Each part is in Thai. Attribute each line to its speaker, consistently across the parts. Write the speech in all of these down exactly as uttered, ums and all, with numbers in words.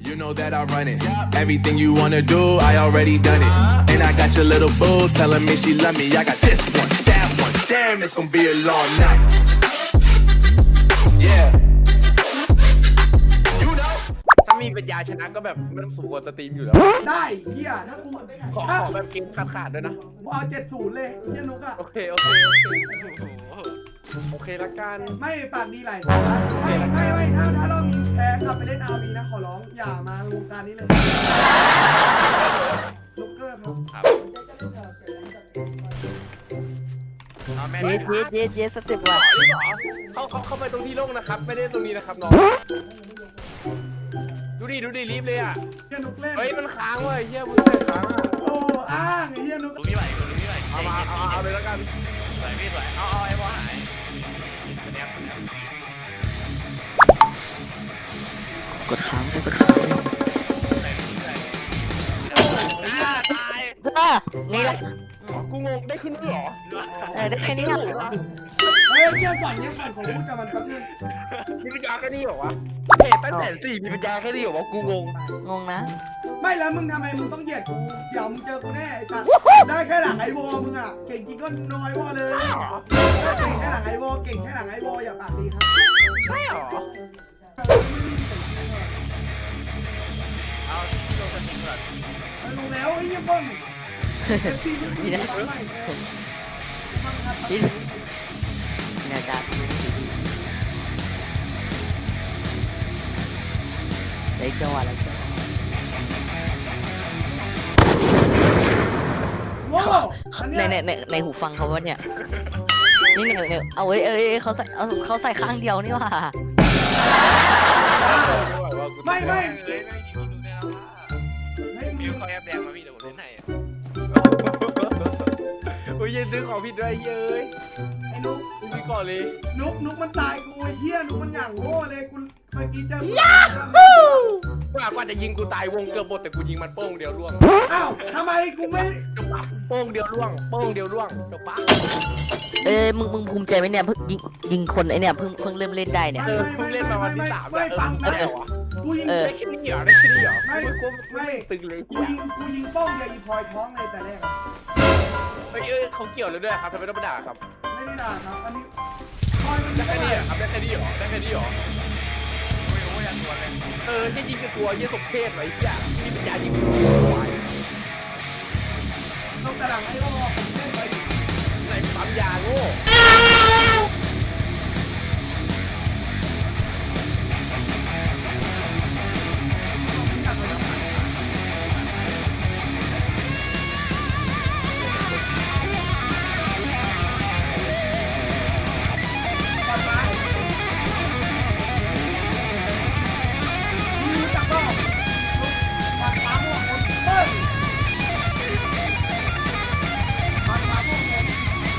Speaker 1: You know that I run it. Everything you wanna do, I already done it. And I got your little boo telling me she love me. I got this one, that one. Damn, it's gonna be a long night. Yeah. You know.
Speaker 2: ถ้ามีปัญญาชนะก็แบบไม่ต้องสมควรสตรีมอยู่แล้ว
Speaker 3: ได้เฮียถ้ากู
Speaker 2: ขอ
Speaker 3: ถ้า
Speaker 2: ขอแบบเกมขาดขาดๆด้วยนะ
Speaker 3: กูเอาเจ็ดศูนย์เลยเฮียนุกอะ
Speaker 2: โอเคโอเคโอเคโอเคละกัน
Speaker 3: ไม่ปากดีไหลไม่ไม่ไม่ถ้าถ้าเรามีแพ้กลับไปเล่นอาร์วีนะขอร้องอย่ามาวงการนี้เลยลูกเกอร์ครับ
Speaker 2: เอาแม่
Speaker 4: เยสเยสเยสเยสสเต็ปว่ะ
Speaker 2: เขาเขาเข้าไปตรงที่โล่งนะครับไม่ได้ตรงนี้นะครับน้องดูดิดูดิรีบเลยอ่ะ
Speaker 3: เฮียนุกเล่น
Speaker 2: เฮ้ยมันค้างเว้ยเฮียมึงใส่ค้างอะ
Speaker 3: โอ้อ้างไอ้เฮียนุก
Speaker 5: ดูพี่ไหวดูพี่ไหว
Speaker 2: เอามาเอาเอาเลยแล้วกัน
Speaker 5: สวยพี่สวยเอาเอาไอ้บอลหายสแนปสแนป
Speaker 4: กดค้างกดค้าง
Speaker 5: ใส่พี่ใส่อ่าตาย
Speaker 4: จ้านี่แหละ
Speaker 2: กูงงได้ขึ้นด้วยเหรอ
Speaker 4: เออได้แค่นี้เหรอ
Speaker 3: เฮ้ยเงียบก่อนเงียบก่อนผมพูดกับมันแป๊บนึง
Speaker 2: มีปัญญาแค่นี้เหรอวะเพจตั้งแต่สี่มีปัญญาแค่นี้เหรอวะกูงง
Speaker 4: งงนะ
Speaker 3: ไม่แล้วมึงทำไมมึงต้องเหยียดกูเดี๋ยวมึงเจอกูแน่ไอ้สัตว์ได้แค่หลังไอโบมึงอะเก่งจริงก็น้อยวอเลยถ้าเก่งแค่หลังไอโบเก่งแค่หลังไอโบอย่าปากดีครับ
Speaker 2: ใช่เหรอ
Speaker 5: เอาที่โดนสติงก่อน
Speaker 3: รู้แล้วไอ้เงี้ยป้อม
Speaker 4: นี่นะนี่เนี่ยจ้าเล็กจังหวะเล็กจังหวะ
Speaker 3: ว้าวอัน
Speaker 4: ใน
Speaker 3: เนี้ย
Speaker 4: ในในในหูฟังเขาว่าเนี่ยนี่เนี่ยเนี่ยเอาเอ้ยเอ้ยเขาใส่เอาเขาใส่ข้างเดียวนี่ว่ะ
Speaker 3: ไม่ไม่
Speaker 5: เฮ้ยนั่งยิงยิงดูได้แล้วว่า
Speaker 3: ให้มึ
Speaker 5: มิว
Speaker 3: ง
Speaker 5: เขาแอบแดงมาพี่เดี๋ยวผมเล่นให้
Speaker 2: โอ้ยยังซื้อของผิดด้วยเย้ย
Speaker 3: ไอ้นุก
Speaker 2: กูมีก่อนเลย
Speaker 3: นุกนุกมันตายกูไอ้เหี้ยนุกมันหยั่งโง่เลยกูเมื่อกี้เจอ
Speaker 2: ว่ากว่าจะยิงกูตายวงเกือบหมดแต่กูยิงมันโป้งเดียวล่วง
Speaker 3: อ้าวทำไมกูไม่
Speaker 2: จบปะโป้งเดียวล่วงโป้งเดียวล่วงจบปะ
Speaker 4: เอ้ยมึงมึงภูมิใจไหมเนี่ยเพิ่งยิงยิงคนไอเนี่ยเพิ่งเพิ่งเริ่มเล่นได้เนี่ย
Speaker 2: เออเพิ่งเล่นมาวันที่สาม
Speaker 3: ไม่ฟัง
Speaker 2: นะ
Speaker 3: นะ
Speaker 2: เออวะ
Speaker 3: กูยิง
Speaker 4: เออ
Speaker 2: ได้แค่นี้เหรอได้แค่นี้เหรอ
Speaker 3: ไม่
Speaker 2: ไม่กู
Speaker 3: ไม่
Speaker 2: ตึงเลย
Speaker 3: กูยิงกูยิงป้องยาอีพลอยท้องเลยแต่แรก
Speaker 2: เฮ้ยเอ้ยเขาเกี่ยวเลยด้วยครับทำไมต้องมาด่าครับ
Speaker 3: ไม่ได้ด่าครับอันนี้พลอยมัน
Speaker 2: ได้
Speaker 3: ไม่
Speaker 2: แค่
Speaker 3: ได้
Speaker 2: นี้เหรอครับได้แค่นี้เหรอได้แค่นี้เหรอ
Speaker 5: ไม่รู้ว่าอยากตัวเลย
Speaker 2: เออแค่ยิงกับตัวเยี่ยสมเพศไว้ที่อ่ะที่เป็นยายิงควาย
Speaker 3: ต้องกระดังไอ้โอ้เล่นไป
Speaker 2: ไหนปั๊มยาโง่
Speaker 3: รู้จักก็ปากฟ้าม่วงคนเต้ยปากฟ้าม่วงคน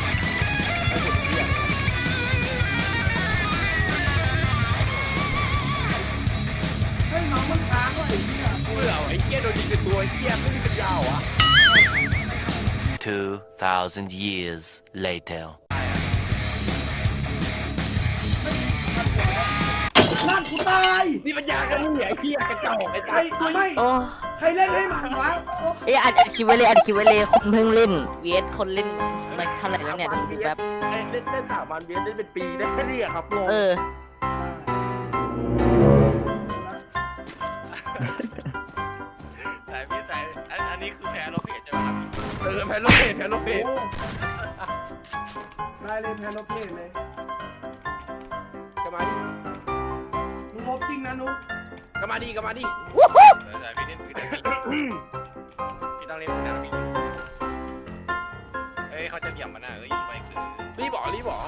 Speaker 3: เฮ้ยน้องมันค้างว่ะไอ้เหี้ย
Speaker 2: เบื่อไอ้เหี้ยโดนยิงกับตัวไอ้เหี้ยไม่มีปัญญาเหรอ
Speaker 6: Two thousand years later.
Speaker 3: ลั่นกูตาย
Speaker 2: นี่ปัญญากันนี่ไอ้เหี้ยกระจอกไอ้
Speaker 3: ใครไม่
Speaker 4: โอ้
Speaker 3: ใครเล่นให้มันวะ
Speaker 4: เอ้ยอัดอัดคลิปไว้เลยอัดคลิปไว้เลยคนเพิ่งเล่นเวสคนเล่นมาเท่าไหร่แล้วเนี่ยดูแบบ
Speaker 2: เล่นเล่นสามวันเวียนเล่นเป็นปีได้แค่นี้อะครับงง
Speaker 4: เออ
Speaker 5: สายพี่สายอันอันนี้คือแพ้เราเพจใช่ไหมครับ
Speaker 2: เออแพ้โลเพจแพ้โลเพจ
Speaker 3: โอ้ได้เลยแพนโลเพลเลย
Speaker 2: กลับมาดิ
Speaker 3: มึงลบจริงนะนุ๊ก
Speaker 2: กลับมาดิกลับมาดิ
Speaker 5: สายพี่เล่นคือแต่พี่พี่ต้องเล่นคือแต่พี่เอ้ยเขาจะเหลี่ยมมันนะเอ้ยไปคือ
Speaker 2: รีบบอกรีบบอก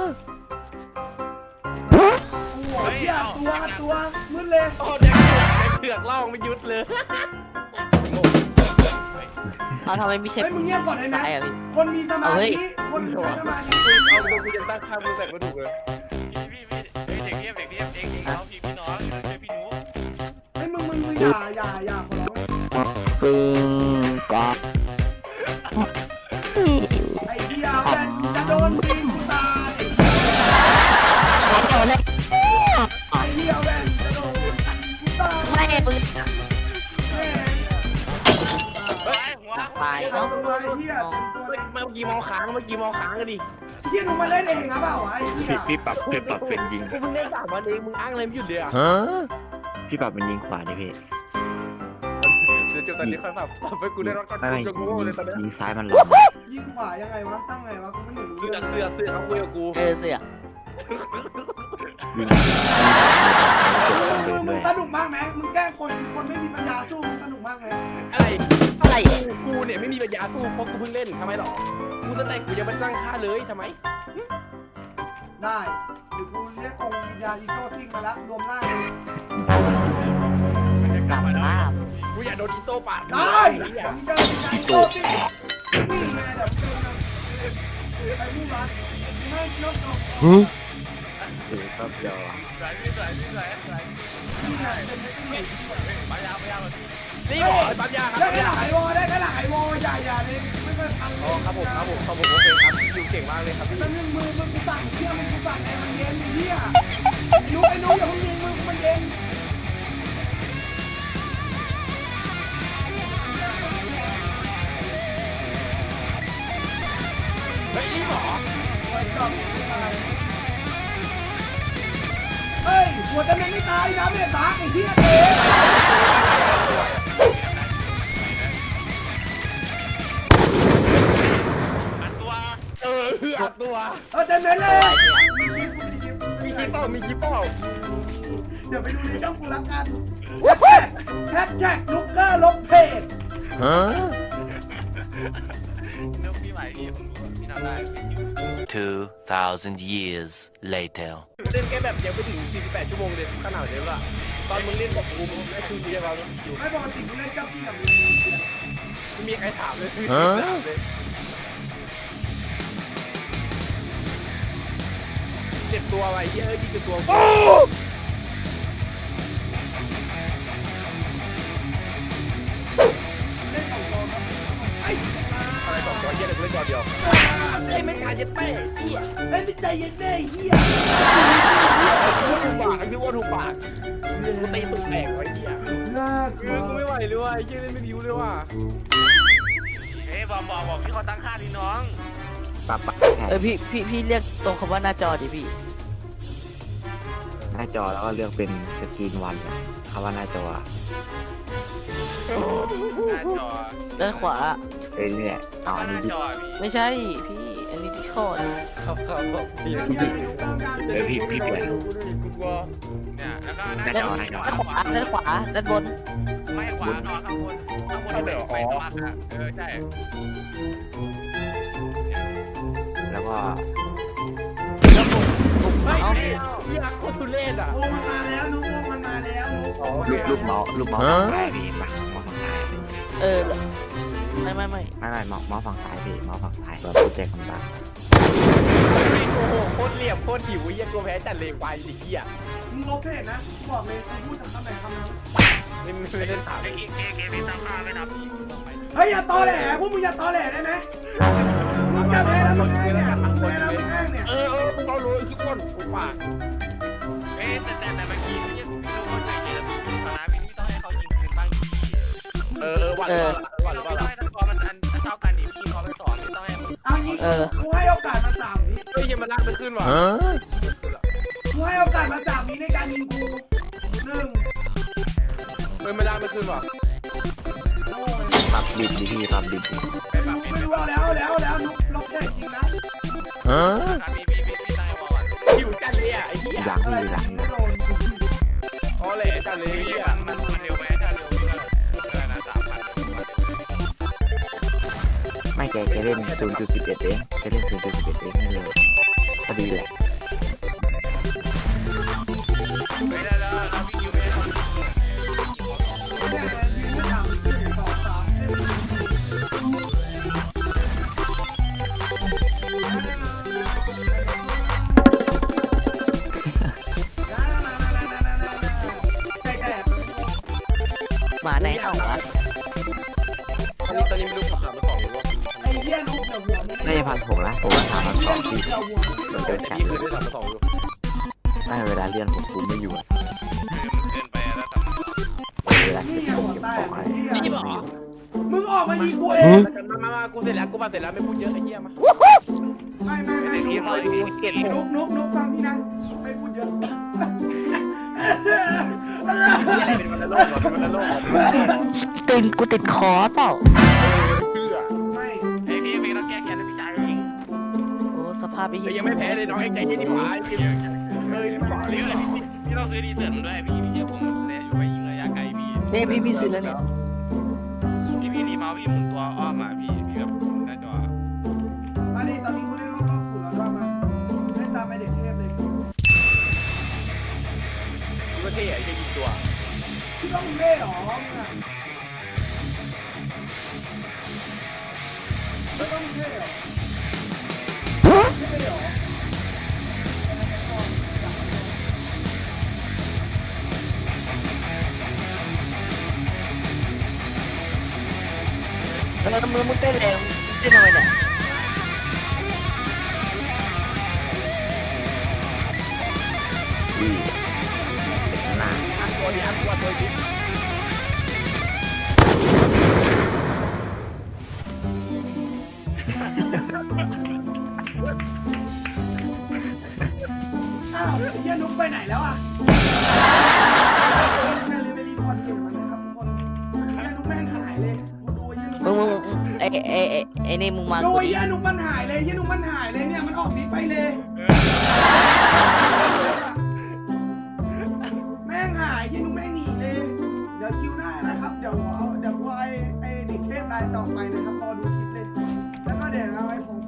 Speaker 3: หัวเหี้ยตัวตัวมืดเลย
Speaker 2: โอ้เด็กเผือกล่องไม่ยุดเลยงง
Speaker 4: เอาทำไมไม่ใช่
Speaker 3: เฮ้ยมึงเงียบก่อนเลยนะ
Speaker 4: ตายอ่ะพี่
Speaker 3: คนมีสมา
Speaker 4: เอาเฮ้ย
Speaker 3: ธิคนใช้สมาธิ
Speaker 2: เอาดูกูจะตั้งค่ามือใส่กระดูกเลย
Speaker 5: พี่พี่พี่เฮ้ยเด็กเนี้ยเด็กเนี้ยเด็กเด็กเขาพี่พี่น้องช่วยพี่หนู
Speaker 3: เฮ้ยมึงมึงมึงอย่าอย่าอย่าขอร้อง
Speaker 4: ปึ้งก๊อก
Speaker 3: ไอ้เดียวแม่งจะโดนตีกูตายไอ้เดียวแม่งจะโดนกูตาย
Speaker 4: ไม่ปมึง
Speaker 3: แม่ง
Speaker 5: เฮ้ยหัว
Speaker 4: ตาย
Speaker 3: เอา
Speaker 4: เนาะ
Speaker 3: ตัวไอ้เหี้ยตัว
Speaker 2: เมื่
Speaker 3: เล็ก
Speaker 2: อกี้มองค้างเมื่อกี้มองค้างกันดิ
Speaker 3: เหี้ยมึงมาเล่นเองหรือเปล่าวะไอ้เหี้ย
Speaker 7: พี่พี่ปรับพี่ปรับเป็นยิง
Speaker 2: กูเพิ่งเล่นสามวันเองมึงอ้างอะไรไม่หยุดเลยอ่ะ
Speaker 7: พี่ปรับเป็นยิงขวาดิพี่
Speaker 2: เดี๋ยวจบตอนนี้ค่อยปรับปรับไปกูได้รถก่อน
Speaker 7: ไม่ไม่
Speaker 2: กูจะโง่เลยตอนนี้
Speaker 7: ยิงซ้ายมันหลง
Speaker 3: ยิงขวายังไงวะตั้งไงวะกูไม่เห็นรู้
Speaker 2: เสื
Speaker 3: เรื่
Speaker 2: อ
Speaker 3: อง
Speaker 2: เสือเสือเขาคุยกับกู
Speaker 4: เออเสือก
Speaker 7: ยิง
Speaker 3: มึงมึ
Speaker 7: ด้
Speaker 3: ง
Speaker 7: วย
Speaker 3: สนุกมากไหมมึงแกล้งคนคนไม่มีปัญญาสู้มึงสนุกมากไหม
Speaker 2: อะไร
Speaker 4: อะไร
Speaker 2: กูกูเนี่ยไม่มีปัญญาสู้เพราะกูเพิ่งเล่นทำไมหรอกูสแต็กกูยังไม่ตั้งค่าเลยทำไม
Speaker 3: ได้เดี๋ยวกูเรียกกองวิญญาณอีโต้ทิ้งมาละรวมร่างเลย
Speaker 4: กลับภาพ
Speaker 2: กูอยากโดนอีโต้ปาด
Speaker 3: ได้
Speaker 2: เหี้ย
Speaker 3: ผมเจอวิญญาณอีโต้ทิ้งนี่ไงเดี๋ยวเจอกันไปมุ่งร้านไม่นกนก
Speaker 7: คือก็เดียว
Speaker 5: สวยพี่สวยพี่สวยสวย
Speaker 3: นี่ไงเป็นไม่ต้องหนี
Speaker 5: พยายามพยายามแบบนี้
Speaker 2: นี่บอกไอ้ปั๊มยาครับ
Speaker 3: ได้
Speaker 2: ปั๊ม
Speaker 3: แค่ห
Speaker 2: ยา
Speaker 3: ลังไอวอได้แค่หลังไอวออย่าอย่าเลยไม่เคยพัง
Speaker 2: อ๋อครับผมครับผมครับผมโอเคครับอยู่เก่งมากเลยครับพี่
Speaker 3: แล้วมึงมือมึงกูสั่งเชี่ยมึงกูสั่งไงมันเย็นไอ้เหี้ยไอ้นุ๊กไอ้นุ๊กอย่าเพิ่งยิงมึงมันเย็น
Speaker 2: เฮ้ยนี่หรอ
Speaker 3: ไปก่อนเฮ้ยหัวจะเป็นไม่ตายนะไม่ตายไอ้เหี้ยเอ๋
Speaker 5: อัดตัว
Speaker 2: เออคืออัดตัว
Speaker 3: เออเต็มเลยเลยมีคลิปมีคลิป
Speaker 2: มีคลิปเปล่ามีคลิปเปล่า
Speaker 3: เดี๋ยวไปดูในช่องกูละกันแฮชแท็กลูกเกอร์ลบเพจ
Speaker 5: นึกพี่ใหม่พี่ผมรู้พี่ทำได้พี่
Speaker 6: Two thousand years later.
Speaker 2: เล่นแค่แบบยังไม่ถึงสี่สิบแปดชั่วโมงเลยขนาดนี้ละตอนมึงเล่นบอกกูมึงได้คือมีอะไรอยู่
Speaker 3: ไม่ปกติกูเล่นกับพี่กับมึง
Speaker 2: ไม่มีใครถามเลยคือเจ็บตัวอะไรเยอะยิ่งเจ็บตัวอะไรสองตัวเยอะเลยกูเล่นตัวเดียวไอ้ไม่ขาดเจ็บแป้งเหี้ย
Speaker 3: เฮ้ยไม่ใจเย็นแน่เหี้ย
Speaker 2: ถูกปากไอ้พี่ว่าถูกปากกูตีตุกแตกไว้เหี้ย
Speaker 3: น่าก
Speaker 2: กู
Speaker 3: ลัว
Speaker 2: ไม่ไหวเลยว่ะไอ้เหี้ยเล่นไม่ดิวเลยว่ะ
Speaker 5: เฮ้ยบอกบอกบอกพี่เขาตั้งค่าดิน้อง
Speaker 7: ปรับปรับ
Speaker 4: เออพี่พี่พี่เรียกตรงคำว่าหน้าจอดิพี่
Speaker 7: หน้าจอแล้วก็เลือกเป็นสกรีนวันคำว่าหน้าจอ
Speaker 5: หน้าจอ
Speaker 4: ด้านขวา
Speaker 7: เอ้ยนี่แหละเอาอัน
Speaker 5: ห
Speaker 7: นี้
Speaker 5: น้า
Speaker 7: ดิ
Speaker 5: จอพี่
Speaker 4: ไม่ใช่พี่ อันนี้ที่คอร์ด
Speaker 2: ครับครับครับพี่
Speaker 3: เรื่องใหญ่ลูกเก้าการ
Speaker 7: เดี๋ยวพี่พี่เปลี่ยน
Speaker 2: กูกลัว
Speaker 5: เนี่ยแล้วก็หน้า
Speaker 4: ด้าน
Speaker 5: จอ
Speaker 4: ด้าน
Speaker 5: จอ
Speaker 4: ขวาด้านขวาด้านบน
Speaker 5: ไม่ขวานอนข้างบนข้างบนที่เป็นไฟสว่างอะเออใช่
Speaker 7: แล้วก็
Speaker 4: แล้วผมผม
Speaker 2: เฮ้ย
Speaker 4: เอา
Speaker 2: เหี้ยโคตรทุเรศอ่ะ
Speaker 3: โอ้มันมาแล้วนุ๊กวงมันมาแล้วนุ๊ก
Speaker 7: ลูกลูกเมาส์ลูกเมาส์ฝั่งซ้ายพี่มาเมาส์ฝั่งซ้าย
Speaker 4: เออไม่ไม่ไม่
Speaker 7: ไม่ไม่เมาส์เมาส์ฝั่งซ้ายพี่เมาส์ฝั่งซ้ายแบบโปรเจกต์คำสั่ง
Speaker 2: ไม่โอ้โหโคตรเหลี่ยมโคตรหิวเหี้ยกลัวแพ้จัดเลยควายดิเหี้ย
Speaker 3: มึงลบเพจนะกูบอกเลยกูพูดคำไหนคำนั้น
Speaker 2: ไม่ไม่เล่นถาม
Speaker 5: ไอ้เคเคพี่ตั้งค่าไม่นับพี่ต้องไป
Speaker 3: เฮ้ยอย่าตอแหลพวกมึงอย่าตอแหลได้ไหมมึงจะแพ้แล้วมึงอ้างเนี่ยแพ้แล้วมึงอ้างเนี่ย
Speaker 2: เออเออมึงเอาเลยทุกคนกูปาก
Speaker 5: เอ๊ะแต่แต่แต่เมื่อกี้พี่พี่รู้ว่าใจเย็นคณะพี่นี่ต้องให้เขายิงคืนบ้างอยู่พี่
Speaker 2: เออเออวันหรือเปล่าวันหรือเป
Speaker 5: ไม่
Speaker 2: ล่า
Speaker 5: ต้องให้ทั้งกอมันอันเท่ากันดิพี่เขาไปสอนไม่ต้องให้
Speaker 3: เอางี้กูให้โอกาสมาสามวิ
Speaker 2: เฮ้ยยังมันลากไม่ขึ้นว่ะ
Speaker 3: กูให้โอกาสมาสามวิในการยิงกูหนึ่ง
Speaker 2: เฮ้ยมันลากไม่ขึ้นว่ะ
Speaker 7: ปรับดิบดิพี่ปรับดิบดิ
Speaker 3: ไม่รู้ไม่รู้แล้วแล้วแล้วนุ๊กลบเพจจริงนะ
Speaker 5: พี่พี่พี่พี่ตั้งให้พอก่อน
Speaker 2: หิวจัดเลยอ่ะไอ้เหี้ย
Speaker 7: หลัง
Speaker 3: อะไร
Speaker 7: พี่หลัง
Speaker 3: ไม่โดน
Speaker 2: อ๋อเลยจัดเลย
Speaker 5: พี่
Speaker 2: เหี้ย
Speaker 5: มันมันมันเร็วไหมถ้าเร็วพี่ก็เออนะสามพัน
Speaker 7: ไม่แกแกเล่น ศูนย์จุดสิบเอ็ด เองแกเล่น ศูนย์จุดสิบเอ็ด เองไม่เลยพอดีแหละ
Speaker 5: ไม่ได้แล้วเราวิ่งอยู่ไม่ได้
Speaker 3: แค่ยิงไม่สามหนึ่งสองสามใช่แต่
Speaker 4: หมาไหนเห่าวะ
Speaker 2: ตอนนี้ตอนนี้ไม่รู้ผมถามมาสองรอบ
Speaker 3: ไอ้เหี้ยนุ๊กเดี๋ยวหัวมึง
Speaker 7: น่าจะพันผมนะผมว่าถามพันสองพี่
Speaker 3: เดี๋ยวหัวมึง
Speaker 7: เรา
Speaker 2: แต่
Speaker 7: เจอกัน
Speaker 2: พี่เคยได้ถามมาสองอยู่
Speaker 7: ไม่เวลาเรียนผมคุมไม่อยู่อะ
Speaker 5: คือมันเกินไปแล้วสำหรับ
Speaker 7: เออ
Speaker 3: อกมายิงกูเอง
Speaker 2: มามามากูเสร็จแล้วกูมาเสร็จแล้วไม่พูดเยอะไอ้เหี้ยมา
Speaker 3: ไม่ไม่ไม่
Speaker 5: พี่เขาดูเก่ง
Speaker 3: นุกนุกนุกฟังพี่นะไม่พูดเยอะ
Speaker 2: อะไรเป็นวันละโลกเป็นวันละโลก
Speaker 4: ติดกูติดคอเปล่า
Speaker 2: เพื่อ
Speaker 3: ไม่
Speaker 5: ไอพี่พี่ต้องแก้แค้นให้พี่ชายเอง
Speaker 4: โอ้สภาพไอ้
Speaker 2: แต่
Speaker 4: เหี้ย
Speaker 2: ยังไม่แพ้เลยน้องไอ้ใจเย็นดีกว่าไอ้เหี้ยเฮ้ยไม่บอก
Speaker 5: เรื่องอะไรพี่พี่ต้องซื้อดีเซอร์มันด้วยพี่พี่เชื่อผมเลยอยู่ไปยิงระยะไกลพี่
Speaker 4: นี่พี่พี่ซื้อแล้วเนี่ย
Speaker 5: พี่พี่รีเมาส์พี่หมุนตัวอ้อมมาพี่พี่แบบหน้าจอ
Speaker 3: ตอนนี้ตอนนี้กูเล่นรอบรอบศูนย์แล้วรอบมาเล่นตามไอเด็กเทพเลย
Speaker 2: กูก็เท่ไอ้เหี้ยยิงตัว
Speaker 3: พี่ต้องเล่หรอมึงอ่ะไม่ต้องเล่หรอเล่หรอ
Speaker 4: แล้วมือมึงเต้นแรงเต้นทำไมเนี่ย
Speaker 7: อุ้ยเป็นหนา
Speaker 2: อันตัวนี้อันตัวตัวนี้
Speaker 3: อ้าวไอ้เหี้ยนุ๊กไปไหนแล้วอ่ะแม่เลยไปรีพอร์ตเห็นมันนะครับทุกคนไอ้เหี้ยนุ๊กแม่งหายเลยดูไอ้เหี้ยนุ๊ก
Speaker 4: มึงมึงมึงไอ้ไอ้ไอ้ไอ้นี่มึงมา
Speaker 3: ดู
Speaker 4: กู
Speaker 3: ไอ้
Speaker 4: ดิ
Speaker 3: เหี้ยนุ๊กมันหายเลยไอ้เหี้ยนุ๊กมันหายเลยเนี่ยมันออกดิสไปเลย แม่งหายที่นุ้งแม่งหนีเลย เดี๋ยวคิวหน้านะครับ เดี๋ยวเอาเดี๋ยวกูไอไอเด็กเทพรายต่อไปนะครับรอดูคลิปเลย แล้วก็เดี๋ยวเอาไอ้ของ